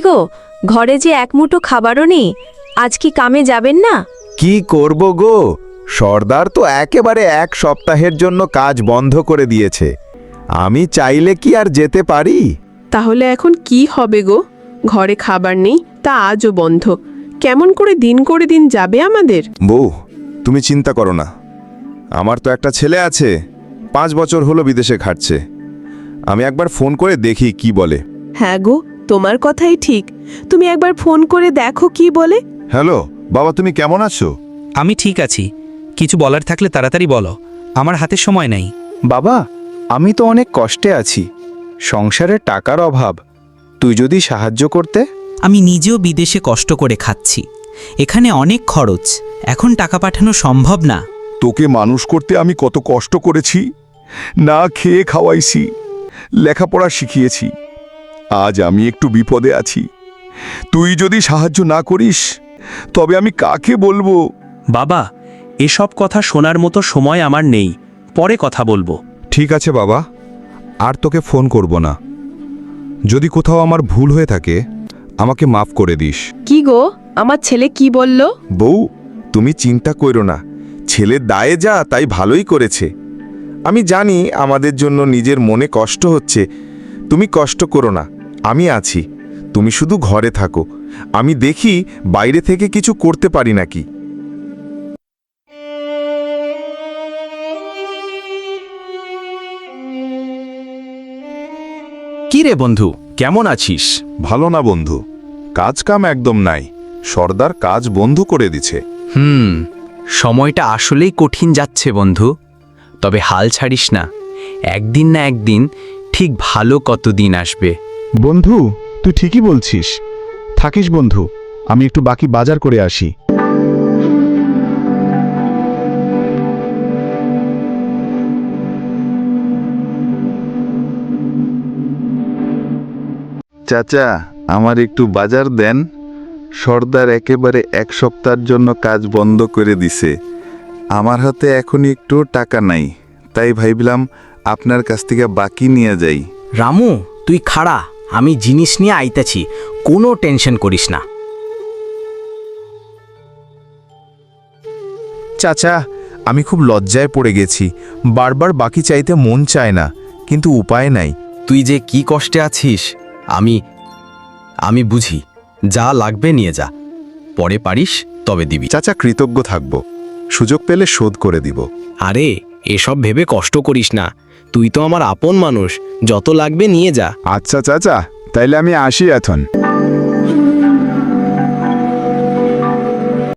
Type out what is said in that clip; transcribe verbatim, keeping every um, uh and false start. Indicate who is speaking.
Speaker 1: গো, ঘরে যে এক মুঠো খাবারও নেই, আজ কি কামে যাবেন না?
Speaker 2: কি করব গো, সর্দার তো একেবারে এক সপ্তাহের জন্য কাজ বন্ধ করে দিয়েছে। আমি চাইলে কি আর যেতে পারি?
Speaker 3: তাহলে এখন কি হবে গো? ঘরে খাবার নেই, তা আজও বন্ধ। কেমন করে দিন করে দিন যাবে আমাদের?
Speaker 4: বউ, তুমি চিন্তা করো না। আমার তো একটা ছেলে আছে, পাঁচ বছর হলো বিদেশে খাটছে। আমি একবার ফোন করে দেখি কি বলে।
Speaker 3: হ্যাঁ গো, তোমার কথাই ঠিক। তুমি একবার ফোন করে দেখো কি বলে।
Speaker 4: হ্যালো বাবা, তুমি কেমন আছো?
Speaker 5: আমি ঠিক আছি। কিছু বলার থাকলে তাড়াতাড়ি বলো, আমার হাতে সময় নেই।
Speaker 2: বাবা, আমি তো অনেক কষ্টে আছি, সংসারে টাকার অভাব। তুই যদি সাহায্য করতে।
Speaker 5: আমি নিজেও বিদেশে কষ্ট করে খাচ্ছি, এখানে অনেক খরচ, এখন টাকা পাঠানো সম্ভব না।
Speaker 4: তোকে মানুষ করতে আমি কত কষ্ট করেছি, না খেয়ে খাওয়াইছি, লেখাপড়া শিখিয়েছি। আজ আমি একটু বিপদে আছি, তুই যদি সাহায্য না করিস তবে আমি কাকে বলবো?
Speaker 6: বাবা, এসব কথা শোনার মতো সময় আমার নেই, পরে কথা বলবো।
Speaker 4: ঠিক আছে বাবা, আর তোকে ফোন করব না। যদি কোথাও আমার ভুল হয়ে থাকে আমাকে মাফ করে দিস।
Speaker 3: কি গো, আমার ছেলে কি বলল?
Speaker 4: বউ, তুমি চিন্তা করো না, ছেলের দায়ে যা তাই ভালোই করেছে। আমি জানি আমাদের জন্য নিজের মনে কষ্ট হচ্ছে, তুমি কষ্ট করো না, আমি আছি। তুমি শুধু ঘরে থাকো, আমি দেখি বাইরে থেকে কিছু করতে পারি নাকি।
Speaker 2: কি রে বন্ধু, কেমন আছিস?
Speaker 4: ভালো না বন্ধু, কাজ কাম একদম নাই, সর্দার কাজ বন্ধ করে দিছে।
Speaker 7: হুম, সময়টা আসলেই কঠিন যাচ্ছে বন্ধু। তবে হাল ছাড়িস না, একদিন না একদিন ঠিক ভালো কতদিন আসবে।
Speaker 8: বন্ধু, তুই ঠিকই বলছিস। থাকিস বন্ধু, আমি একটু বাকি বাজার করে আসি।
Speaker 2: চাচা, আমার একটু বাজার দেন। সর্দার একেবারে এক সপ্তাহের জন্য কাজ বন্ধ করে দিছে। আমার হাতে এখন একটু টাকা নাই, তাই ভাবলাম আপনার কাছ থেকে বাকি নিয়ে যাই।
Speaker 9: রামু, তুই খাড়া, আমি জিনিস নিয়ে আইতেছি, কোনো টেনশন করিস না।
Speaker 2: চাচা, আমি খুব লজ্জায় পড়ে গেছি। বারবার বাকি চাইতে মন চায় না, কিন্তু উপায় নাই।
Speaker 7: তুই যে কি কষ্টে আছিস আমি আমি বুঝি। যা লাগবে নিয়ে যা, পরে পারিস তবে দিবি।
Speaker 4: চাচা, কৃতজ্ঞ থাকব, সুযোগ পেলে শোধ করে দিব।
Speaker 9: আরে এসব ভেবে কষ্ট করিস না, তুই তো আমার আপন মানুষ, যত লাগবে নিয়ে যা।
Speaker 8: আচ্ছা চাচা, তাইলে আমি আসি এখন।